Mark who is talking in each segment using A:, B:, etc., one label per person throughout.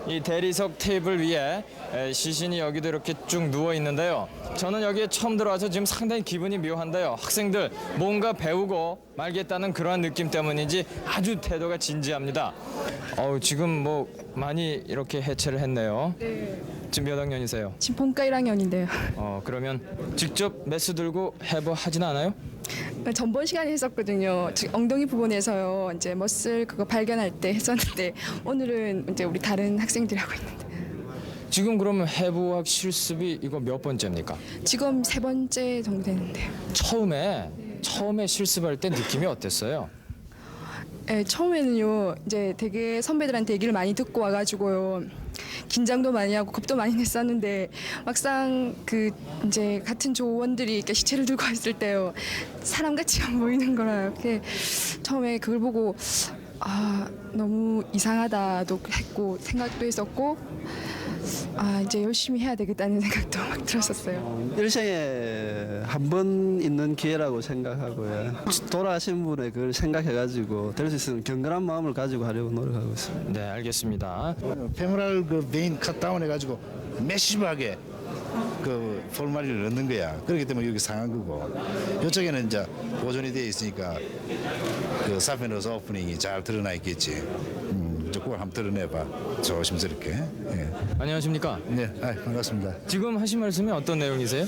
A: 이 대리석 테이블 위에 시신이 여기도 이렇게 쭉 누워 있는데요. 저는 여기에 처음 들어와서 지금 상당히 기분이 묘한데요. 학생들 뭔가 배우고 말겠다는 그러한 느낌 때문인지 아주 태도가 진지합니다. 지금 뭐 많이 이렇게 해체를 했네요.
B: 네.
A: 지금 몇 학년이세요?
B: 지금 본과 1학년인데요.
A: 그러면 직접 매수 들고 해부하진 않아요?
B: 전번 시간에 했었거든요. 엉덩이 부분에서요. 이제 머슬 그거 발견할 때 했었는데 오늘은 이제 우리 다른 학생들이 하고 있는데
A: 지금 그러면 해부학 실습이 이거 몇 번째입니까?
B: 지금 3번째 정도 되는데요.
A: 처음에 실습할 때 느낌이 어땠어요?
B: 네, 처음에는요. 이제 되게 선배들한테 얘기를 많이 듣고 와가지고요. 긴장도 많이 하고 겁도 많이 냈었는데 막상 그 이제 같은 조원들이 이렇게 시체를 들고 왔을 때요. 사람같이 안 보이는 거라 이렇게 처음에 그걸 보고 너무 이상하다도 했고 생각도 했었고 이제 열심히 해야 되겠다는 생각도 막 들었었어요.
C: 일생에 한 번 있는 기회라고 생각하고요. 돌아가신 분의 그걸 생각해가지고 될 수 있으면 경건한 마음을 가지고 하려고 노력하고 있습니다.
A: 네, 알겠습니다.
D: 페모랄 그 베인 컷다운 해가지고 매시브하게 그 폴마리를 넣는 거야. 그렇기 때문에 여기 상한 거고 이쪽에는 이제 보존이 되어 있으니까 그 사페너스 오프닝이 잘 드러나 있겠지. 이제 그걸 한번 드러내봐 조심스럽게. 예.
A: 안녕하십니까?
D: 네, 반갑습니다.
A: 지금 하신 말씀이 어떤 내용이세요?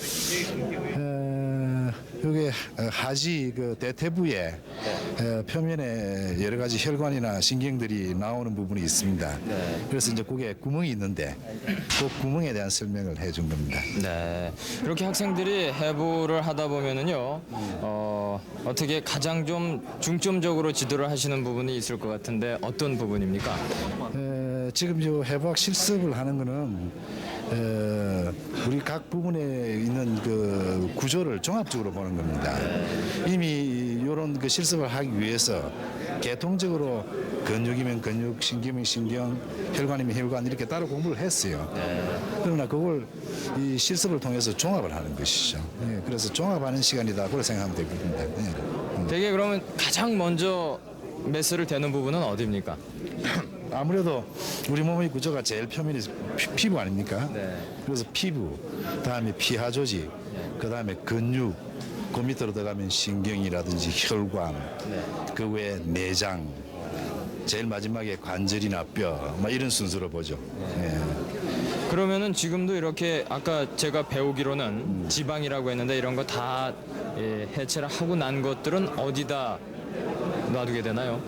D: 여기 하지 그 대퇴부에 표면에 여러 가지 혈관이나 신경들이 나오는 부분이 있습니다. 그래서 이제 그게 구멍이 있는데 그 구멍에 대한 설명을 해준 겁니다.
A: 네, 이렇게 학생들이 해부를 하다 보면은요, 어떻게 가장 좀 중점적으로 지도를 하시는 부분이 있을 것 같은데 어떤 부분입니까?
D: 지금 저 해부학 실습을 하는 거는 우리 각 부분에 있는 그 구조를 종합적으로 보는 겁니다. 이미 이런 그 실습을 하기 위해서 계통적으로 근육이면 근육, 신경이면 신경, 혈관이면 혈관 이렇게 따로 공부를 했어요. 그러나 그걸 이 실습을 통해서 종합을 하는 것이죠. 예, 그래서 종합하는 시간이다. 그렇게 생각하면 되겠습니다. 예.
A: 되게 그러면 가장 먼저 메스를 대는 부분은 어디입니까?
D: 아무래도 우리 몸의 구조가 제일 표면이 피부 아닙니까?
A: 네.
D: 그래서 피부, 다음에 피하 조직, 그 다음에 근육, 그 밑으로 들어가면 신경이라든지 혈관, 그 외에 내장, 제일 마지막에 관절이나 뼈, 막 이런 순서로 보죠. 예.
A: 그러면은 지금도 이렇게 아까 제가 배우기로는 지방이라고 했는데 이런 거 다 해체를 하고 난 것들은 어디다 놔두게 되나요?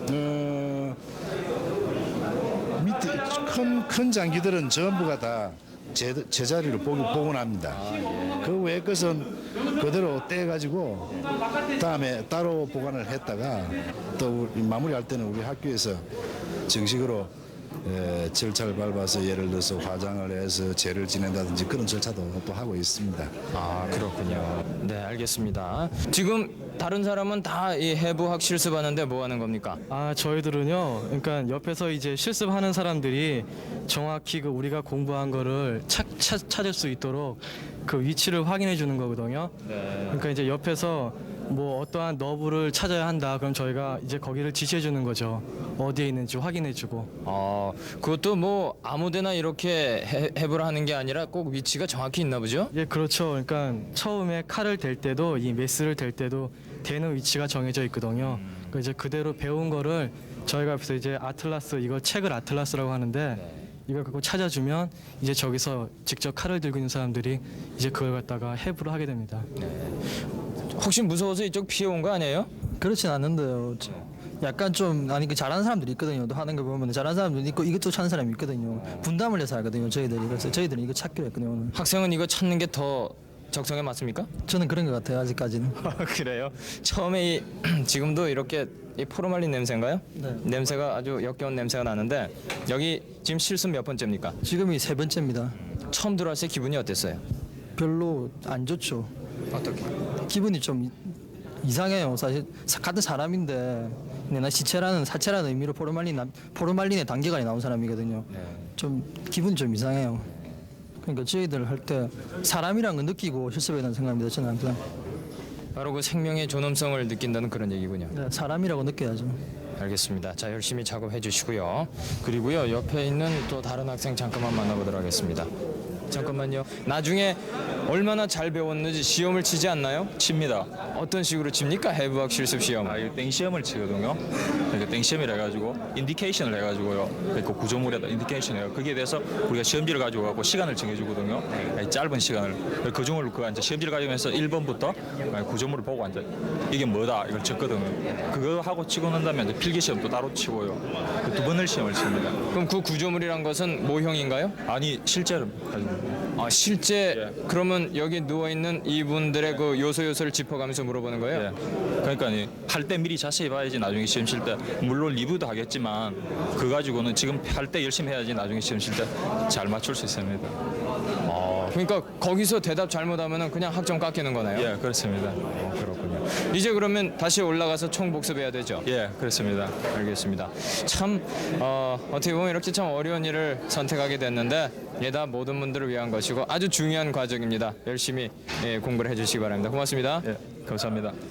D: 밑에 큰 장기들은 전부가 다 제자리로 복원합니다. 그 외의 것은 그대로 떼가지고 다음에 따로 보관을 했다가 또 마무리할 때는 우리 학교에서 정식으로 절차를 밟아서 예를 들어서 화장을 해서 제를 지낸다든지 그런 절차도 또 하고 있습니다.
A: 그렇군요. 네, 알겠습니다. 지금 다른 사람은 다 이 해부학 실습하는데 뭐 하는 겁니까?
E: 저희들은요. 그러니까 옆에서 이제 실습하는 사람들이 정확히 그 우리가 공부한 거를 찾을 수 있도록 그 위치를 확인해 주는 거거든요. 그러니까 이제 옆에서 뭐 어떠한 너브를 찾아야 한다. 그럼 저희가 이제 거기를 지시해 주는 거죠. 어디에 있는지 확인해 주고.
A: 그것도 뭐 아무데나 이렇게 해부를 하는 게 아니라 꼭 위치가 정확히 있나 보죠?
E: 예, 그렇죠. 그러니까 처음에 칼을 댈 때도 이 메스를 댈 때도 대는 위치가 정해져 있거든요. 그 이제 그대로 배운 거를 저희가 앞에서 이제 아틀라스 이걸 책을 아틀라스라고 하는데 이걸 갖고 찾아주면 이제 저기서 직접 칼을 들고 있는 사람들이 이제 그걸 갖다가 해부를 하게 됩니다.
A: 혹시 무서워서 이쪽 피해 온 거 아니에요?
F: 그렇진 않는데요. 약간 좀 그 잘하는 사람들이 있거든요. 또 하는 거 보면 잘하는 사람들도 있고 이것도 찾는 사람이 있거든요. 분담을 해서 하거든요. 저희들이. 그래서 저희들은 이거 찾기로 했거든요. 오늘.
A: 학생은 이거 찾는 게 더 적성에 맞습니까?
F: 저는 그런 것 같아요. 아직까지는.
A: 그래요? 처음에 지금도 이렇게 이 포르말린 냄새인가요?
F: 네.
A: 냄새가 아주 역겨운 냄새가 나는데 여기 지금 실습 몇 번째입니까?
F: 지금이 3번째입니다.
A: 처음 들어왔을 때 기분이 어땠어요?
F: 별로 안 좋죠.
A: 어떻게?
F: 기분이 좀 이상해요. 사실 같은 사람인데 나 사체라는 의미로 포르말린의 단계가 나온 사람이거든요. 좀 기분이 좀 이상해요. 그러니까 저희들 할 때 사람이란 걸 느끼고 실습해야 된다는 생각입니다. 저는 항상.
A: 바로 그 생명의 존엄성을 느낀다는 그런 얘기군요.
F: 네, 사람이라고 느껴야죠.
A: 알겠습니다. 자, 열심히 작업해 주시고요. 그리고요, 옆에 있는 또 다른 학생 잠깐만 만나보도록 하겠습니다. 잠깐만요. 나중에 얼마나 잘 배웠는지 시험을 치지 않나요?
G: 칩니다.
A: 어떤 식으로 칩니까? 해부학 실습 시험.
G: 아, 이거 땡시험을 치거든요. 그러니까 땡시험이라 해가지고 인디케이션을 해가지고요. 그 구조물에다 인디케이션을 해요. 거기에 대해서 우리가 시험지를 가지고 가고 시간을 정해주거든요. 짧은 시간을. 그 중을 그 이제 시험지를 가지고서 1번부터 구조물을 보고 이제 이게 뭐다 이걸 적거든요. 그거 하고 치고 난 다음에 이제 필기 시험도 따로 치고요. 그 2번을 시험을 칩니다.
A: 그럼 그 구조물이란 것은 모형인가요?
G: 아니 실제로 가지고.
A: 아, 실제 그러면 여기 누워 있는 이분들의 그 요소를 짚어가면서 물어보는 거예요?
G: 예. 그러니까 할 때 미리 자세히 봐야지 나중에 시험 칠 때 물론 리뷰도 하겠지만 그거 가지고는 지금 할 때 열심히 해야지 나중에 시험 칠 때 잘 맞출 수 있습니다.
A: 그러니까 거기서 대답 잘못하면은 그냥 학점 깎이는 거나요?
G: 예, 그렇습니다.
A: 그렇군요. 이제 그러면 다시 올라가서 총 복습해야 되죠?
G: 예, 그렇습니다.
A: 알겠습니다. 참 어떻게 보면 이렇게 참 어려운 일을 선택하게 됐는데 이게 다 모든 분들을 위한 것이고 아주 중요한 과정입니다. 열심히 공부를 해주시기 바랍니다. 고맙습니다.
G: 예, 감사합니다.